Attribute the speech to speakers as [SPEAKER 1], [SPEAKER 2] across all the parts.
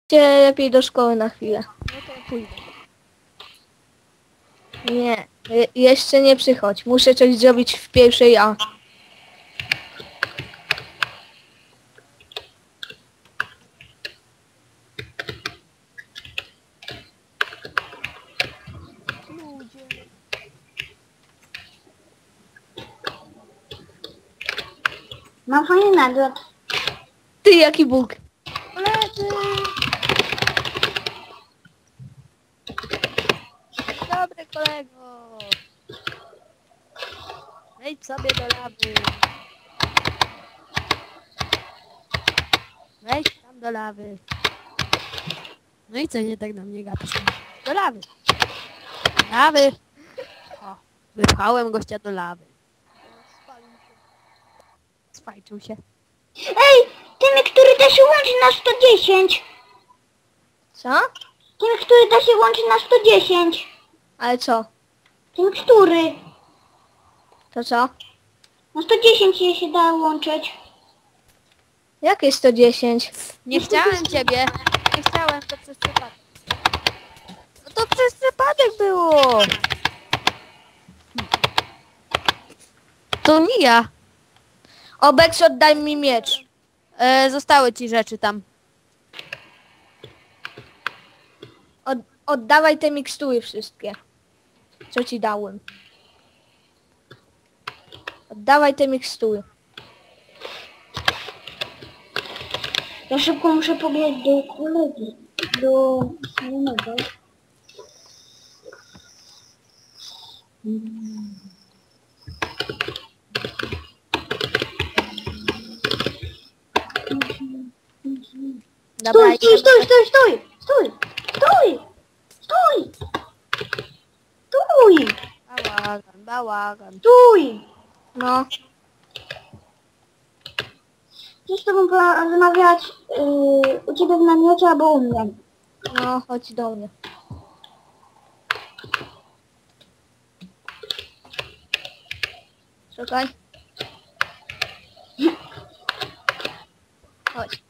[SPEAKER 1] lepiej do szkoły na chwilę.
[SPEAKER 2] No to pójdę.
[SPEAKER 1] Nie, jeszcze nie przychodź. Muszę coś zrobić w pierwszej A.
[SPEAKER 2] Ludzie.
[SPEAKER 3] Mam fajny nagród.
[SPEAKER 1] Ty, jaki Bóg.
[SPEAKER 2] Koledzy! Dobry kolego! Wejdź sobie do lawy. Wejdź tam do lawy. No i co nie tak na mnie gadasz? Do lawy. Do lawy. O, wypchałem gościa do lawy. Spajczył się.
[SPEAKER 3] Ej, ten, który da się łączy na 110.
[SPEAKER 1] Co?
[SPEAKER 3] Ten, który da się łączy na 110.
[SPEAKER 1] Ale co?
[SPEAKER 3] Ten, który
[SPEAKER 1] To co?
[SPEAKER 3] na 110 się da łączyć.
[SPEAKER 1] Jakie 110?
[SPEAKER 2] Nie chciałem ciebie. Nie chciałem, to przez przypadek. No to przez przypadek było. To nie ja.
[SPEAKER 1] Obex, oddaj mi miecz.
[SPEAKER 2] Zostały ci rzeczy tam.
[SPEAKER 1] Oddawaj te mikstury wszystkie. Co ci dałem. Oddawaj te mikstury.
[SPEAKER 3] Ja szybko muszę pobiec do kolegi. Do znajomego.
[SPEAKER 2] Dobra,
[SPEAKER 3] Stój, stój, stój, stój, stój, stój, stój, stój,
[SPEAKER 2] Bałagan, bałagan.
[SPEAKER 3] stój.
[SPEAKER 1] No,
[SPEAKER 3] Chcę z tobą porozmawiać u ciebie w namiocie albo u mnie.
[SPEAKER 1] no, chodź do mnie. Czekaj. Chodź.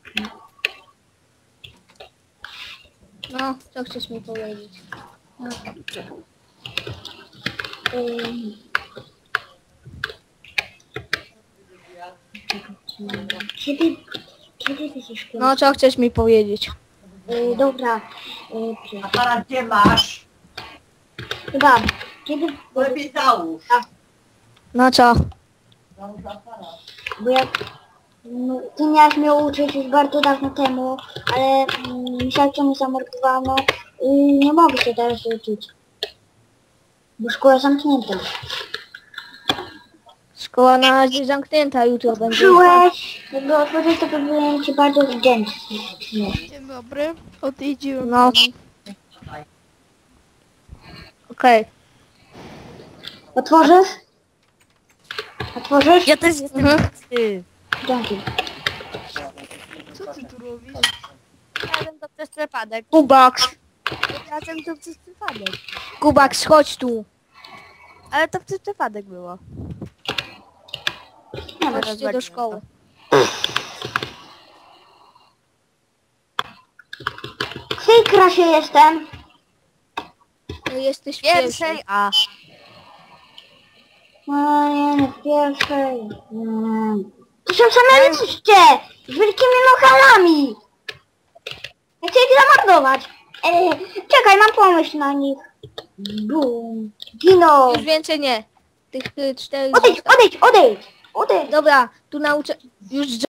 [SPEAKER 1] No, co chcesz mi powiedzieć? No.
[SPEAKER 3] Kiedy ty się szkoły?
[SPEAKER 1] No, co chcesz mi powiedzieć?
[SPEAKER 3] Dobra.
[SPEAKER 4] Aparat gdzie masz?
[SPEAKER 3] Chyba. Kiedy...
[SPEAKER 4] Lepiej załóż.
[SPEAKER 1] No co?
[SPEAKER 4] Załóż aparat.
[SPEAKER 3] Bo jak... No, ty miałaś mnie uczyć już bardzo dawno temu, ale myślałam, mnie zamordowano i nie mogę się teraz uczyć. Bo szkoła zamknięta.
[SPEAKER 1] Szkoła na razie zamknięta, jutro będzie.
[SPEAKER 3] Przyłeś! Jakby otworzyć, to byłem ci bardzo wdzięczny.
[SPEAKER 2] Dzień dobry. Odjeździłem.
[SPEAKER 1] No. Okej.
[SPEAKER 3] Otworzysz? Otworzysz?
[SPEAKER 2] Ja też jestem ty.
[SPEAKER 3] Dzięki.
[SPEAKER 2] Co ty tu robisz? Razem to przez przypadek.
[SPEAKER 1] Kubaks.
[SPEAKER 2] Razem to przez przypadek.
[SPEAKER 1] Kubaks, chodź tu.
[SPEAKER 2] Ale to przez przypadek było.
[SPEAKER 3] Nie,
[SPEAKER 2] Teraz
[SPEAKER 1] Chodźcie do
[SPEAKER 2] zobaczymy
[SPEAKER 1] szkoły.
[SPEAKER 3] w której klasie jestem?
[SPEAKER 1] Jesteś w
[SPEAKER 2] Pierwszej A.
[SPEAKER 3] No nie, w pierwszej. To są same liście! Z wielkimi nohalami! Ja chcę ich zamordować. Czekaj, mam pomysł na nich. Bum. Gino!
[SPEAKER 1] Już więcej nie. Tych 4
[SPEAKER 3] Odejdź, odejdź, odejdź! Odejdź!
[SPEAKER 1] Dobra, tu nauczę... Już